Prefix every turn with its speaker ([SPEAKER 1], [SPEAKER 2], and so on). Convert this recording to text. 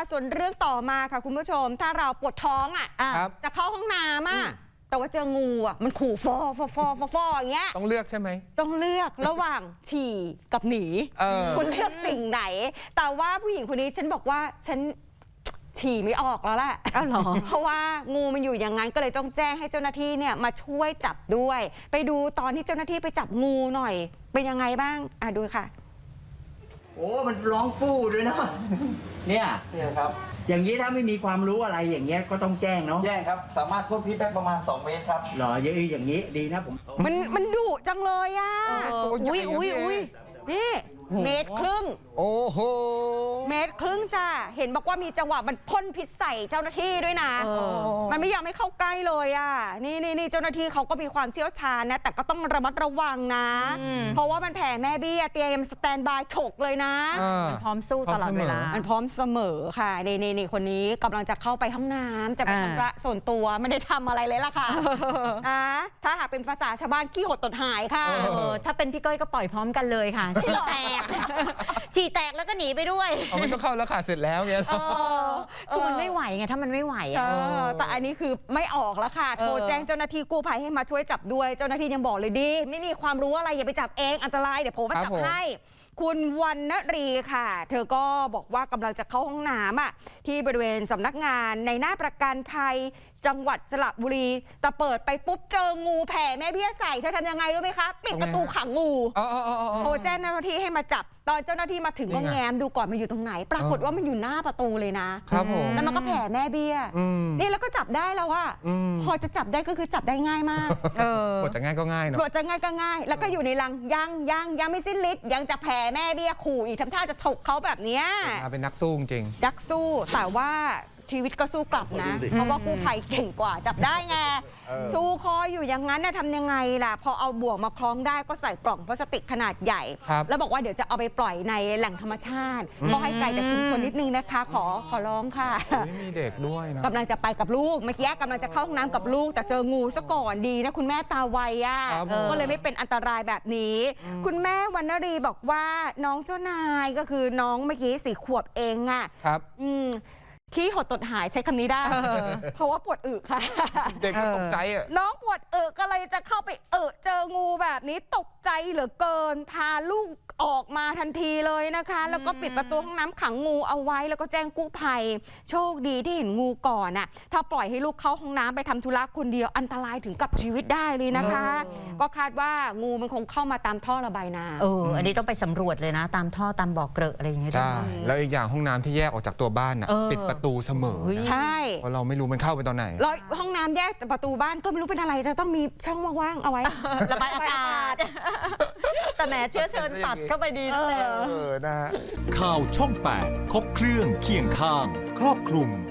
[SPEAKER 1] ส่วนเรื่องต่อมาค่ะคุณผู้ชมถ้าเราปวดท้องจะเข้าห้องน้ำแต่ว่าเจองูมันขู่ฟออย่างเงี้ย
[SPEAKER 2] ต้องเลือกใช่ไหม
[SPEAKER 1] ต้องเลือกระหว่างฉี่กับหนีคุณเลือกสิ่งไหนแต่ว่าผู้หญิงคนนี้ฉันบอกว่าฉันฉี่ไม่ออกแล้วแหละเพราะว่างูมันอยู่อย่างนั้นก็เลยต้องแจ้งให้เจ้าหน้าที่เนี่ยมาช่วยจับด้วยไปดูตอนที่เจ้าหน้าที่ไปจับงูหน่อยเป็นยังไงบ้างดูค่ะ
[SPEAKER 3] โอ้มันร้องฟู่ด้วยเนาะเนี่ย
[SPEAKER 4] ครับ
[SPEAKER 3] อย่างนี้ถ้าไม่มีความรู้อะไรอย่างเงี้ยก็ต้องแจ้งเนาะ
[SPEAKER 4] แจ้งครับสามารถพ่นพิษได้ประมาณ2 เมตรครับ
[SPEAKER 3] หรออย่างนี้ดีนะผม
[SPEAKER 1] มันดุจังเลยอุ้ยนี่1.5 เมตร
[SPEAKER 2] โอ้โห
[SPEAKER 1] 1.5 เมตรจ้ะเห็นบอกว่ามีจังหวะมันพ่นพิษใส่เจ้าหน้าที่ด้วยนะมันไม่ยอมให้เข้าใกล้เลยนี่เจ้าหน้าที่เขาก็มีความเชี่ยวชาญนะแต่ก็ต้องระมัดระวังนะเพราะว่ามันแผ่แม่เบี้ยเตรียมสแตนบายฉกเลยนะ
[SPEAKER 5] มันพร้อมสู้ตลอดเวลา
[SPEAKER 1] มันพร้อมเสมอค่ะนี่คนนี้กำลังจะเข้าไปห้องน้ำจะไปทำระส่วนตัวไม่ได้ทำอะไรเลยล่ะค่ะถ้าหากเป็นภาษาชาวบ้านขี้หดตดหายค่ะ
[SPEAKER 5] ถ้าเป็นพี่ก้อยก็ปล่อยพร้อมกันเลยค่ะฉี่แตกแล้วก็หนีไปด้วย
[SPEAKER 2] ไม่ต้องเข้าแล้วค่ะเสร็จแล้วเนี่ย
[SPEAKER 5] คือมันไม่ไหวไงถ้ามันไม่ไหว
[SPEAKER 1] แต่อันนี้คือไม่ออกแล้วค่ะโทรแจ้งเจ้าหน้าที่กู้ภัยให้มาช่วยจับด้วยเจ้าหน้าที่ยังบอกเลยดีไม่มีความรู้อะไรอย่าไปจับเองอันตรายเดี๋ยวผมมาจับให้คุณวรรณรีค่ะเธอก็บอกว่ากำลังจะเข้าห้องน้ำที่บริเวณสำนักงานในหน้าประกันภัยจังหวัดสระบุรีแต่เปิดไปปุ๊บเจองูแผ่แม่เบี้ยใส่เธอทำยังไงรู้ไหมคะปิดประตูขังงูโทรแจ้งเจ้าหน้าที่ให้มาจับตอนเจ้าหน้าที่มาถึงก็แง้มดูก่อนมันอยู่ตรงไหนปรากฏว่ามันอยู่หน้าประตูเลยนะครับผมแล้วมันก็แผ่แม่เบี้ยนี่แล้วก็จับได้แล้วว่าพอจะจับได้ก็คือจับได้ง่ายมาก
[SPEAKER 2] บทจะง่ายก็ง่ายเนาะ
[SPEAKER 1] บทจะง่ายก็ง่ายแล้วก็อยู่ในรังยังไม่สิ้นฤทธิ์ยังจะแผ่แม่เบี้ยขู่อีกทำท่าจะฉกเขาแบบเนี้ย
[SPEAKER 2] เป็นนักสู้จริง
[SPEAKER 1] นักสู้แต่ว่าชีวิตก็สู้กลับนะเพราะว่ากู้ภัยเก่งกว่าจับได้ไงชูคออยู่อย่างนั้นทำยังไงล่ะพอเอาบ่วงมาคล้องได้ก็ใส่กล่องพลาสติกขนาดใหญ่แล้วบอกว่าเดี๋ยวจะเอาไปปล่อยในแหล่งธรรมชาติก็ให้ไกลจากชุมชนนิดนึงนะคะขอร้องค่ะ
[SPEAKER 2] มีเด็กด้วยนะ
[SPEAKER 1] กำลังจะไปกับลูกเมื่อกี้กำลังจะเข้าห้องน้ำกับลูกแต่เจองูซะก่อนดีนะคุณแม่ตาไวก็เลยไม่เป็นอันตรายแบบนี้คุณแม่วรรณรีบอกว่าน้องเจ้านายก็คือน้องเมื่อกี้4 ขวบเอง
[SPEAKER 2] ครับ
[SPEAKER 1] ขี้หดตดหายใช้คำนี้ได้เพราะว่าปวดอึค่ะ
[SPEAKER 2] เด็กก็ตกใจ
[SPEAKER 1] น้องปวดอึก็เลยจะเข้าไปเจองูแบบนี้ตกใจเหลือเกินพาลูกออกมาทันทีเลยนะคะแล้วก็ปิดประตูห้องน้ำขังงูเอาไว้แล้วก็แจ้งกู้ภัยโชคดีที่เห็นงูก่อนถ้าปล่อยให้ลูกเข้าห้องน้ำไปทำธุระคนเดียวอันตรายถึงกับชีวิตได้เลยนะคะก็คาดว่างูมันคงเข้ามาตามท่อระบายน้
[SPEAKER 5] ำอันนี้ต้องไปสำรวจเลยนะตามท่อตามบ่อเกลอะอะไรอย่างเงี้ย
[SPEAKER 2] ใช่แล้วอีกอย่างห้องน้ำที่แยกออกจากตัวบ้านปิดประตูเสมอ
[SPEAKER 1] ใช่
[SPEAKER 2] เพราะเราไม่รู้มันเข้าไปตอนไหน
[SPEAKER 1] แล้วห้องน้ำแยกประตูบ้านก็ไม่รู้เป็นอะไรจะต้องมีช่องว่างๆเอาไว้
[SPEAKER 5] ระบายอากาศแต่แหมเชื้อเชิญสัตว์เข้าไปดี
[SPEAKER 2] นะฮะ
[SPEAKER 6] ข่าวช่อง 8 ครบเครื่องเคียงข้างครอบคลุม